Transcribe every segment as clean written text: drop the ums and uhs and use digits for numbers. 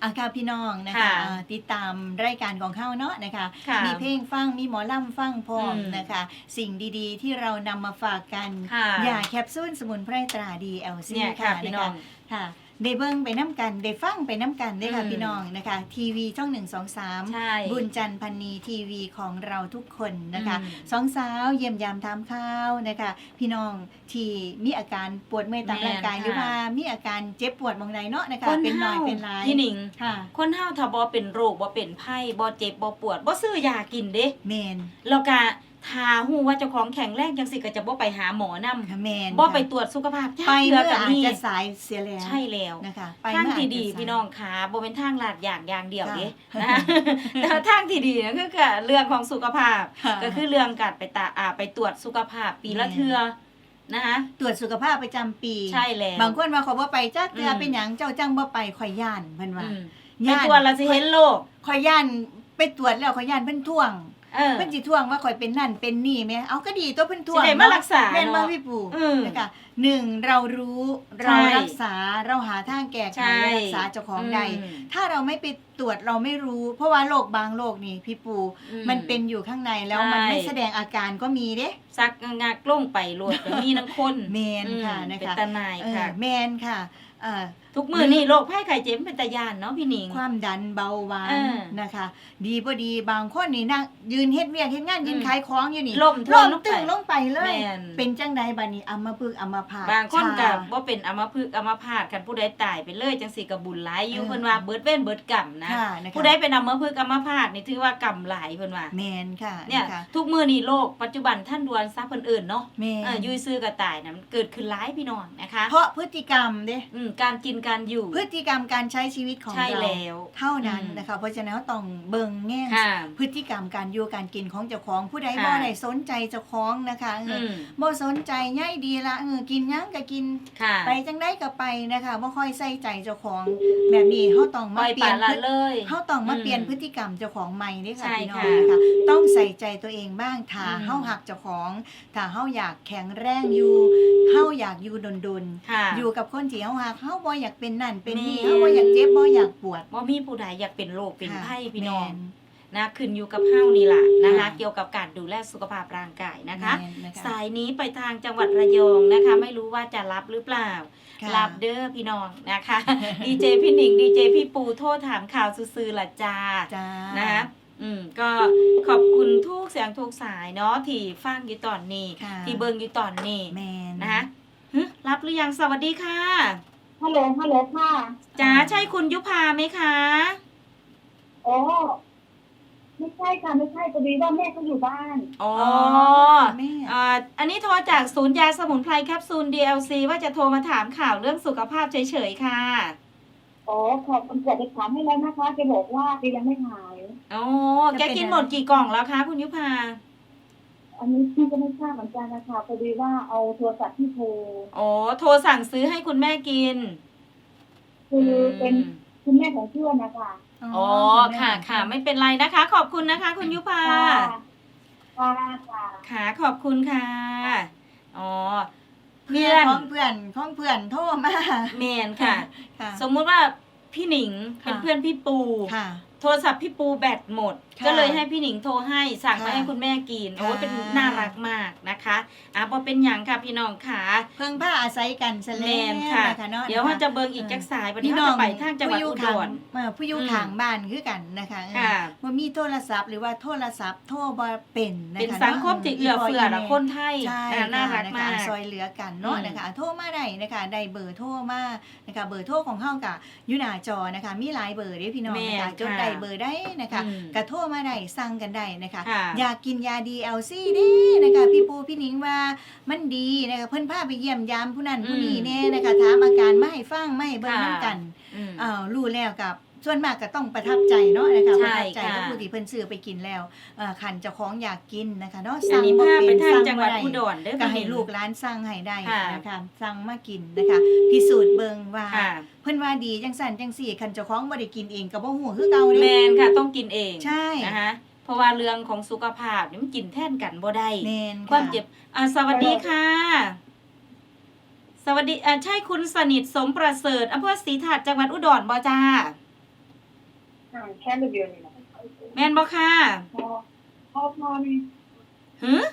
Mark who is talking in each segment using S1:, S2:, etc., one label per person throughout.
S1: ค่ะพี่น้องนะคะติดตามรายการของเฮาเนาะนะคะมีเพลงฟังมีหมอลำฟังพร้อมนะคะสิ่งดีๆที่เรานำมาฝากกันยาแคปซูลสมุนไพรตรา DLC ค่ะนะคะค่ะได้เบิ่งไปน้ำกันได้ฟังไปน้ำกันได้ค่ะพี่น้องนะคะทีวีช่อง123บุญจันทร์พันนีทีวีของเราทุกคนนะคะสองสาวเยี่ยมยามทำข้าวนะคะพี่น้องที่มีอาการปวดเมื่อยตามร่างกายหรือว่ามีอาการเจ็บปวดบางใดเนาะนะคะเป็นหน่อยเป็นหลาย
S2: พี่หนิงคนเฮาถ้าบ่เป็นโรคบ่เป็นไข้บ่เจ็บบ่ปวดบ่ซื้อยากินเด้
S1: แม่น
S2: แล้วก็ถ้าฮู้ว่าเจ้าของแข็งแรงจังสิก็จะบ่ไปหาหมอนำ
S1: แม่น
S2: บ่ไปตรวจสุขภาพ
S1: ไปเมื่ออาจจะสายเสียแล้ว
S2: ใช่แล้ว
S1: นะคะ
S2: ทางที่ดีพี่น้องขาบ่เป็นทางลาดอย่างเดียวเด้นะคะแต่ทางที่ดีก็คือเรื่องของสุขภาพก็คือเรื่องการไปตรวจสุขภาพปีละเทื่อนะคะ
S1: ตรวจสุขภาพประจำปี
S2: ใช่แล้ว
S1: บางคนว่าเขาบ่ไปจักเทื่อเป็นหยังเจ้าจังบ่ไปข่อยย่านเพิ่นว่า
S2: ไปตรวจแล้วสิเห็นโรค
S1: ข่อยย่านไปตรวจแล้วข่อยย่านเพิ่นท่วงเพิ่นสิท่วงว่าข่อยเป็นนั่นเป็นนี่แม่เอาก็ดีตัวเพิ่นท่วง
S2: สิได้มารักษา
S1: แม่นบ่พี่ปู่นะคะ1เรารู้เรารักษาเราหาทางแก้ไขรักษาเจ้าของได้ถ้าเราไม่ไปตรวจเราไม่รู้เพราะว่าโรคบางโรคนี่พี่ปู่มันเป็นอยู่ข้างในแล้วมันไม่แสดงอาการก็มีเด้
S2: ซักงักลงไปโลดก็มีทั้งคน
S1: แม่นค่ะนะคะ
S2: เป็นตาหนายค่ะ
S1: แม่นค่ะ
S2: ทุกมื้อนี่โรคภัยไข้เจ็บเป็นตาย่านเนาะพี่หนิง
S1: ความดันเบาหวานนะคะดีบ่ดีบางคนนี่นั่งยืนเฮ็ดเวียกเฮ็ดงานยืนขายของอยู่นี่
S2: ล้ม
S1: ตึงลงไปเลยเป็นจังไดบัดนี้อัมพฤกษ์อัมพาต
S2: บางคนก็บ่เป็นอัมพฤกษ์อัมพาตคันผู้ใดตายไปเลยจังซี่ก็บุญหลายอยู่เพิ่นว่าเบิดเว้นเบิดกรรมนะผู้ใดเป็นอัมพฤกษ์อัมพาตนี่ถือว่ากรรมหลายเพิ่นว่า
S1: แม่นค่ะ
S2: เนี่ยทุกมื้อนี้โลกปัจจุบันท่านดวนซะเพิ่นเอิ้นเนาะอยู่ซื่อก็ตายน่ะมันเกิดขึ้นหลายพี่น้องนะคะ
S1: เพราะพฤติกรรมเด้
S2: การกินการอยู่
S1: พฤติกรรมการใช้ชีวิตของเราเท่านั้นนะคะเพราะฉะนั้นต้องเบิ่งแง่พฤติกรรมการอยู่การกินของเจ้าของผู้ใดบ่ได้สนใจเจ้าของนะคะบ่สนใจใยดีละกินหยังก็กินไปจังได๋ก็ไปนะคะบ่ค่อยใส่ใจเจ้าของแบบนี้เฮาต้องมาเปลี่ยนเฮาต้องมาเปลี่ยนพฤติกรรมเจ้าของใหม่เด้ค่ะพี่น้องนะคะต้องใส่ใจตัวเองบ้างถ้าเฮารักเจ้าของถ้าเฮาอยากแข็งแรงอยู่เฮาอยากอยู่ดนๆอยู่กับคนที่เฮารักเฮาบ่อยากเป็นนั่นเป็นนี่เฮาบ่อยากเจ็บบ่อยากปวด
S2: บ่มีผู้ใดอยากเป็นโรคเป็นไข้พี่น้องนะขึ้นอยู่กับเฮานี่ล่ะนะคะเกี่ยวกับการดูแลสุขภาพร่างกายนะคะสายนี้ไปทางจังหวัดระยองนะคะไม่รู้ว่าจะรับหรือเปล่ารับเด้อพี่น้องนะคะดีเจพี่หนิงดีเจพี่ปูโทรถามข่าวซื่อๆล่ะจ้านะคะก็ขอบคุณทุกเสียงทุกสายเนาะที่ฟังอยู่ตอนนี้ที่เบิ่งอยู่ตอนนี้นะคะรับหรือยังสวัสดีค่ะ
S3: ฮัลโหลค่ะ
S2: จ๋าใช่คุณยุพาไหมคะ
S3: โอ้ไม่ใช่ค่ะไม่ใช่พอดีว่าแม่เขาอยู่บ้าน
S2: อ๋อแม่อันนี้โทรจากศูนย์ยาสมุนไพรแคปซูล DLC ว่าจะโทรมาถามข่าวเรื่องสุขภาพเฉยๆค่ะ
S3: อ๋อขอบคุณจะถามให้แล้วนะคะแกบอกว่าแกยังไม่หาย
S2: อ๋อแกกินหมดกี่กล่องแล้วคะคุณยุพา
S3: อันนี้พี่ก็ไม่ทราบเหมือนกันนะคะพอดีว่าเอาโทรศัพท์ที่โทร
S2: อ๋อโทรสั่งซื้อให้คุณแม่กิน
S3: คือเป็นคุณแม่ของเพื่อนนะคะ
S2: อ๋อค่ะไม่เป็นไรนะคะขอบคุณนะคะคุณยุพาค่ะขอบคุณค่ะอ๋อ
S1: เพื่อนของเพื่อนโทรมา
S2: แม่นค่ะสมมุติว่าพี่หนิงเป็นเพื่อนพี่ปูโทรศัพท์พี่ปูแบตหมดก็เลยให้พี่หนิงโทรให้สั่งมาให้คุณแม่กินโอ้เป็นน่ารักมากนะคะพอเป็นหยังค่ะพี่น้องค่ะ
S1: เพิ่งผ้าอาศัยกันซะแล้ว
S2: ค่ะเดี๋ยวว่าจะเบิ่งอีกจักสายวันนี้เราจะไปทางจังหวัดอุดร
S1: ผู้อยู่ข้างบ้านคือกันนะคะบ่มีโทรศัพท์หรือว่าโทรศัพท์โทรบ่เป็นนะคะ
S2: เป็นสังคมที่เอื้อเฟื้อละคนไทยน่ารักมาก
S1: ซอยเหลือกันเนาะนะคะโทรมาได้นะคะได้เบอร์โทรมานะคะเบอร์โทรของเฮาก็อยู่หน้าจอนะคะมีหลายเบอร์เด้พี่น้องนะคะจดได้เบอร์ได้นะคะกระโทรมาได้สั่งกันได้นะคะอยากกินยา DLC เด้นะคะพี่ปูพี่หนิงว่ามันดีนะคะเพิ่นพาไปเยี่ยมยามผู้นั้นผู้นี้แน่นะคะถามอาการมาให้ฟังมาให้เบิ่งนำกันรู้แล้วกับส่วนมากก็ต้องประทับใจเนาะนะคะประทับใจกับผู้ที่เพิ่นซื้อไปกินแล้วคันเจ้าของอยากกินนะคะเนาะ
S2: สั่งบ่เป็นสั่งจังหวัดอุดรเด้อ
S1: ก็ให้ลูกหลานสั่งให้ได้นะคะสั่งมากินนะคะพิสูจน์เบิ่งว่าเพิ่นว่าดีจังซั่นจังซี่คันเจ้าของบ่ได้กินเองก็บ่ฮู้คือเก่าเด้
S2: แม่นค่ะต้องกินเอง
S1: ใช่
S2: นะคะเพราะว่าเรื่องของสุขภาพนี่มันกินแทนกันบ่ได้ความเจ็บสวัสดีค่ะสวัสดีใช่คุณสนิทสมประเสริฐอำเภอศรีถาดจังหวัดอุดรบ่จ้า
S3: ห่างแค่เดือนนึงนะ
S2: แม่นบ่ค่ะ
S3: พอนี่
S2: หึ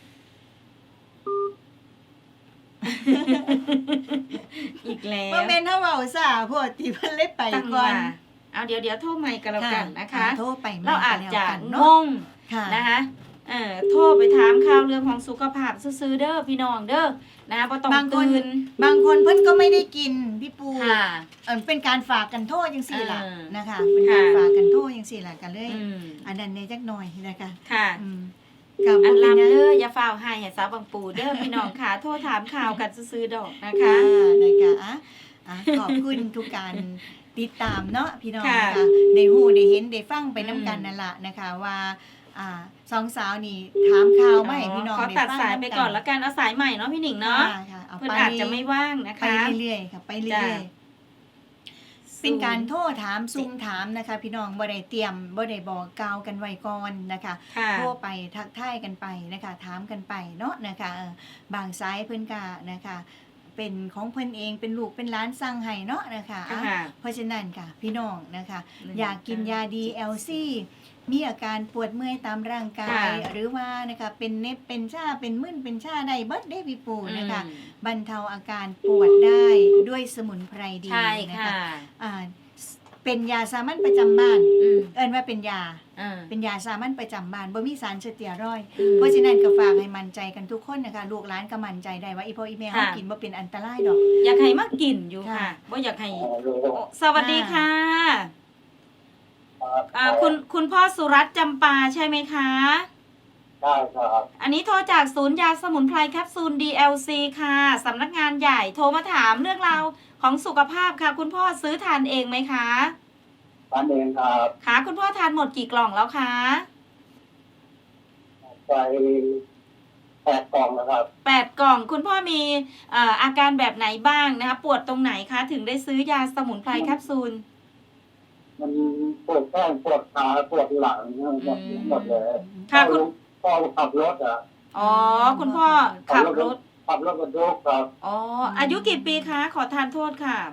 S2: อีกแล้ว
S1: บ่แม่นเฮาเว้าซ่าโพดที่เพิ่นเลยไป
S2: ตั้ง
S1: ก่อ
S2: ว่าน โทรใหม่กันแล้วกันนะคะ
S1: โทรไปใหม่
S2: เราอาจ
S1: ก็
S2: จะ
S1: แล้วกัน
S2: ง
S1: เนาะ
S2: ง
S1: ค่ะ
S2: นะคะโทรไปถามข่าวเรื่องของสุขภาพซื่อๆเด้อพี่น้องเด้อนะคะบ่ต้อง
S1: บางคน
S2: ตื่น
S1: บางคนเพิ่นก็ไม่ได้กินพี่ปู
S2: ค่ะ
S1: เป็นการฝากกันโทษจังซี่ล่ะ
S2: เออ
S1: นะคะเป็นการ
S2: ค่ะ
S1: ฝากกันโทษจังซี่ล่ะกันเลย
S2: อืม
S1: อันนั้นในจักหน่อยนะคะ
S2: ค่ะ
S1: อืมกับ
S2: อัน
S1: บ่เป็นหยัง
S2: ลำเด้ออย่าฝ้าวให้สาวบางปูเด้อพี่น้องค่ะ โทรถามข่าวกันซื่อๆดอกนะคะ
S1: ค่ะนะคะขอบคุณทุกการติดตามเนาะพี่น้อง
S2: ค่ะ
S1: นะคะได้ฮู้ได้เห็นได้ฟังไปน้ำกันนั่นล่ะนะคะว่าสองสาวนี่ถามข่าวมาให้พี่น้อง
S2: ขอ
S1: ได้
S2: ตัด
S1: ฟัง
S2: สายไปก่อนแล้วกันเอาสายใหม่เนาะพี่หนิงเนาะ
S1: ค่ะเอา
S2: เพิ่น
S1: ไป
S2: อาจจะไม่ว่างนะ
S1: ไป
S2: คะ
S1: เรื่อยๆค่ะไปเรื่อยๆเป็นการโทรถามซุ่มถามนะคะ พี่น้องบ่ได้เตรียมบ่ได้บอกกล่าวกันไว้ก่อนนะคะ
S2: ค่ะ
S1: โทรไปทักทายกันไปนะคะถามกันไปเนาะนะคะบางสายเพิ่นก็นะคะ เป็นของเพิ่นเองเป็นลูกเป็นหลานสั่งให้เนาะนะคะ
S2: ค่ะ
S1: เพราะฉะนั้นค่ะพี่น้องนะคะ
S2: อืม
S1: อยากกินยา DLC มีอาการปวดเมื่อยตามร่างกาย
S2: ค่ะ
S1: หรือว่านะคะเป็นเน็บเป็นชาเป็นมึนเป็นชาได้เบิดได้พี่ปูนะคะ บรรเทาอาการปวดได้ด้วยสมุนไพรดี
S2: ใช่
S1: นะ
S2: ค่ะ
S1: คะเป็นยาสามัญประจำบ้าน
S2: อืม
S1: เอิ้นว่าเป็นยา
S2: อ่า
S1: เป็นยาสามัญประจำบ้านบ่มีสารสเตียรอยด์
S2: อืม
S1: เพราะฉะนั้นก็ฝากให้มั่นใจกันทุกคนนะคะลูกหลานก็มั่นใจได้ว่าอีพ่ออีแม่เฮา
S2: ค่ะ
S1: กินบ่เป็นอันตรายดอก
S2: อยากให้มากินอยู่
S1: ค่ะ
S2: ค่ะบ่อยากให้โอ้สวัสดีค่ะคุณพ่อสุรัตน์จำปาใช่ไหมคะ
S3: ได้ครับ
S2: อันนี้โทรจากศูนย์ยาสมุนไพรแคปซูล DLC ค่ะสำนักงานใหญ่โทรมาถามเรื่องราวของสุขภาพค่ะ คุณพ่อซื้อทานเองไหมคะ
S3: ทานเองครับ
S2: ค่ะคุณพ่อทานหมดกี่กล่องแล้วคะ
S3: ไป8 กล่องแล้วครับ
S2: 8 กล่อง คุณพ่อมีอาการแบบไหนบ้างนะคะ ปวดตรงไหนคะ ถึงได้ซื้อยาสมุนไพรแคปซูล
S3: มันปวดแข้งปวดขาปวดหลังหมดเลย
S2: ค่ะคุณ
S3: พ่อขับรถอ่ะ
S2: อ๋อ คุณพ่อขับรถ
S3: ขับรถบรรทุกครับ
S2: อ๋อ อายุกี่ปีคะ ขอทานโทษค่ะ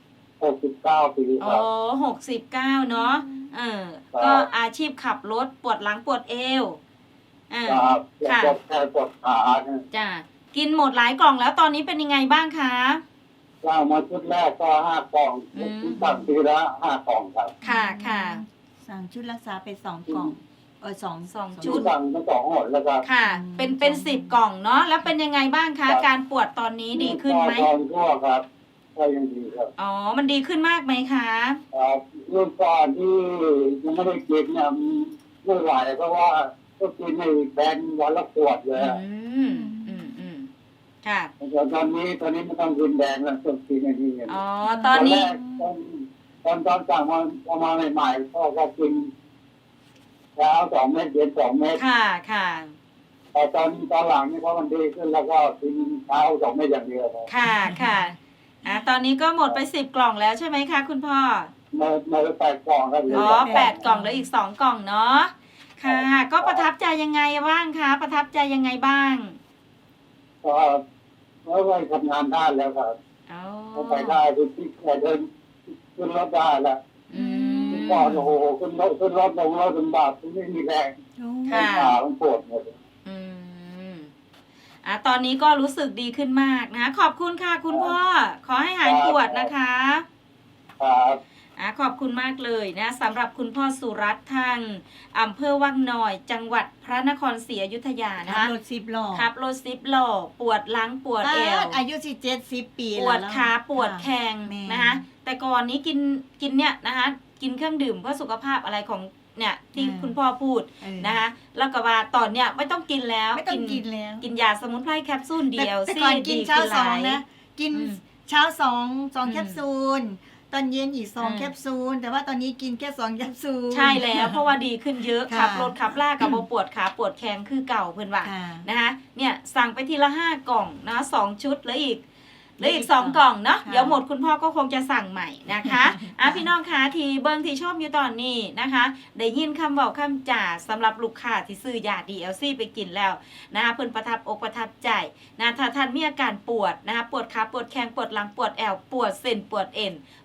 S3: 69 ปีค
S2: อ๋
S3: รั
S2: อบ69เนาะก็อาชีพขับรถปวดหลังปวดเอว
S3: ครับ
S2: ค่ะ
S3: ปวดแข้งปวดขาเนี่ย
S2: จ้ะกินหมดหลายกล่องแล้วตอนนี้เป็นยังไงบ้างคะ
S3: เรามาชุดแรกก็5 กล่อง
S2: อืม
S3: สั่งทีละ5 กล่องครับ
S2: ค่ะค่ะ
S1: สั่งชุดรักษาไป2 กล่องสอง
S2: สองชุด
S3: สั่งไป2 หนแล้วครับ
S2: ค่ะ เป็น10 กล่องเนาะแล้วเป็นยังไงบ้างคะ การปวดตอนนี้ดีขึ้นไหม
S3: ตอนทั่วครับก็ยังดีครับ
S2: อ๋อ มันดีขึ้นมากไหมคะ
S3: ครับเรื่องก่อนที่ยังไม่ได้กินเนี่ยไม่ไหวเพราะว่าก็กินในแบนวันละขวดเลย
S2: อืมค่ะ
S3: แต่ตอนนี้ไม่ต้องกินแดงแล้วต้องกินอันนี้
S2: อ๋อตอนนี้
S3: ตอนสั่งมาใหม่ๆก็กินเช้า2 เม็ดเย็น2 เม็ด
S2: ค่ะค่ะ
S3: แต่ตอนหลังนี่เพราะมันดีขึ้นแล้วก็กินเช้า2 เม็ดอย่างเดียวครับ
S2: ค่ะค่ะตอนนี้ก็หมดไป10 กล่องแล้วใช่ไหมคะคุณพ่อ
S3: มา8 กล่องครับ
S2: อ๋อ8 กล่องแล้วอีก2 กล่องเนาะค่ะ ก็ประทับใจยังไงบ้างคะประทับใจยังไงบ้าง
S3: ก็แล้วก็ทำงานได้แล้วครับ
S2: อ๋อ
S3: ก็ไปได้ที่เดินขึ้นรถได้แล้ว
S2: อืม
S3: ก่อนโอ้โหขึ้นรถลงบาทไม่มีแรง
S2: ค่ะ
S3: ขามันปวดหมด
S2: อืมตอนนี้ก็รู้สึกดีขึ้นมากนะคะขอบคุณค่ะคุณพ่อ ขอให้หายปวดนะคะ
S3: ครับ
S2: ขอบคุณมากเลยนะสำหรับคุณพ่อสุรัตน์ทางอำเภอวังน้อย จังหวัดพระนครศรีอยุธยานะ
S1: ขับ
S2: คะ
S1: รถ10 ล้อ
S2: ขับรถ10 ล้อปวดหลังปวดเอว
S1: อายุสิ70 ปี
S2: ป
S1: แล้ว
S2: วดขาปวดแข้ง
S1: แม่
S2: นะคะแต่ก่อนนี้กินเนี่ยนะคะกินเครื่องดื่มเพื่อสุขภาพอะไรของเนี่ยที่คุณพ่อพูดนะคะแล้วก็ว่าตอนเนี้ยไม่ต้องกินแล้ว
S1: ไม่ต้องกินแล้ว
S2: กินยาสมุนไพรแคปซูลเดียว
S1: แต่ก่อนกินเช้า
S2: ดีขึ้หลย
S1: 2นะกิน
S2: อืม
S1: เช้า2แคปซูลตอนเย็นอีก
S2: อืม
S1: 2แคปซูลแต่ว่าตอนนี้กินแค่2แคปซูล
S2: ใช่แล้วเพราะว่าดีขึ้นเยอะ
S1: ค่ะ
S2: ขับรถขับลากกับโบปวดขาปวดแข้งคือเก่าเพิ่นว่า
S1: ค่ะ
S2: นะคะเนี่ยสั่งไปทีละ5 กล่องนะ2 ชุดแล้วอีก2
S1: สอง
S2: กล่องเนาะ
S1: ค่ะ
S2: เดี๋ยวหมดคุณพ่อก็คงจะสั่งใหม่นะคะพี่น้องคะที่เบิ้งที่ชอบอยู่ตอนนี้นะคะได้ยินคำบอกคำจ่าสำหรับลูกค้าที่ซื้อยา DLC ไปกินแล้วนะคะเพิ่นประทับอกประทับใจนะถ้าท่านมีอาการปวดนะคะปวดขาปวดแข้งปวดหลังปวดแอวปวดเส้นปวดเอ็น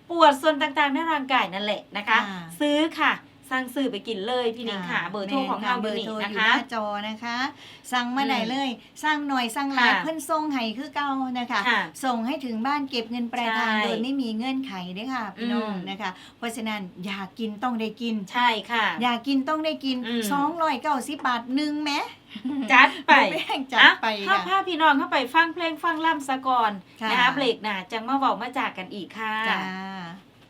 S2: ปวดส่วนต่างๆในร่างกายนั่นแหละนะคะ ซื้อค่ะสั่งซื้อไปกินเลยพี่หนิงค่ะเบอร์โทรของเราอยู่นี่นะคะ
S1: หน้าจอนะคะ สั่งมาได้เลยสั่งหน่อยสั่งหลายเพิ่นส่งให้คือเก่านะคะส่งให้ถึงบ้านเก็บเงินปลายทางโดยไม่มีเงื่อนไขด้วยค่ะพี่น้องนะคะเพราะฉะนั้นอยากกินต้องได้กิน
S2: ใช่ค่ะ
S1: อยากกินต้องได้กิน290 บาทนึงแม้
S2: จัดไป
S1: จัดไป
S2: พาพี่น้องเข้าไปฟังเพลงฟังล่ำซะก่อนนะคะเบรกหน้าจังมาเว้ามาจากกันอีกค่ะ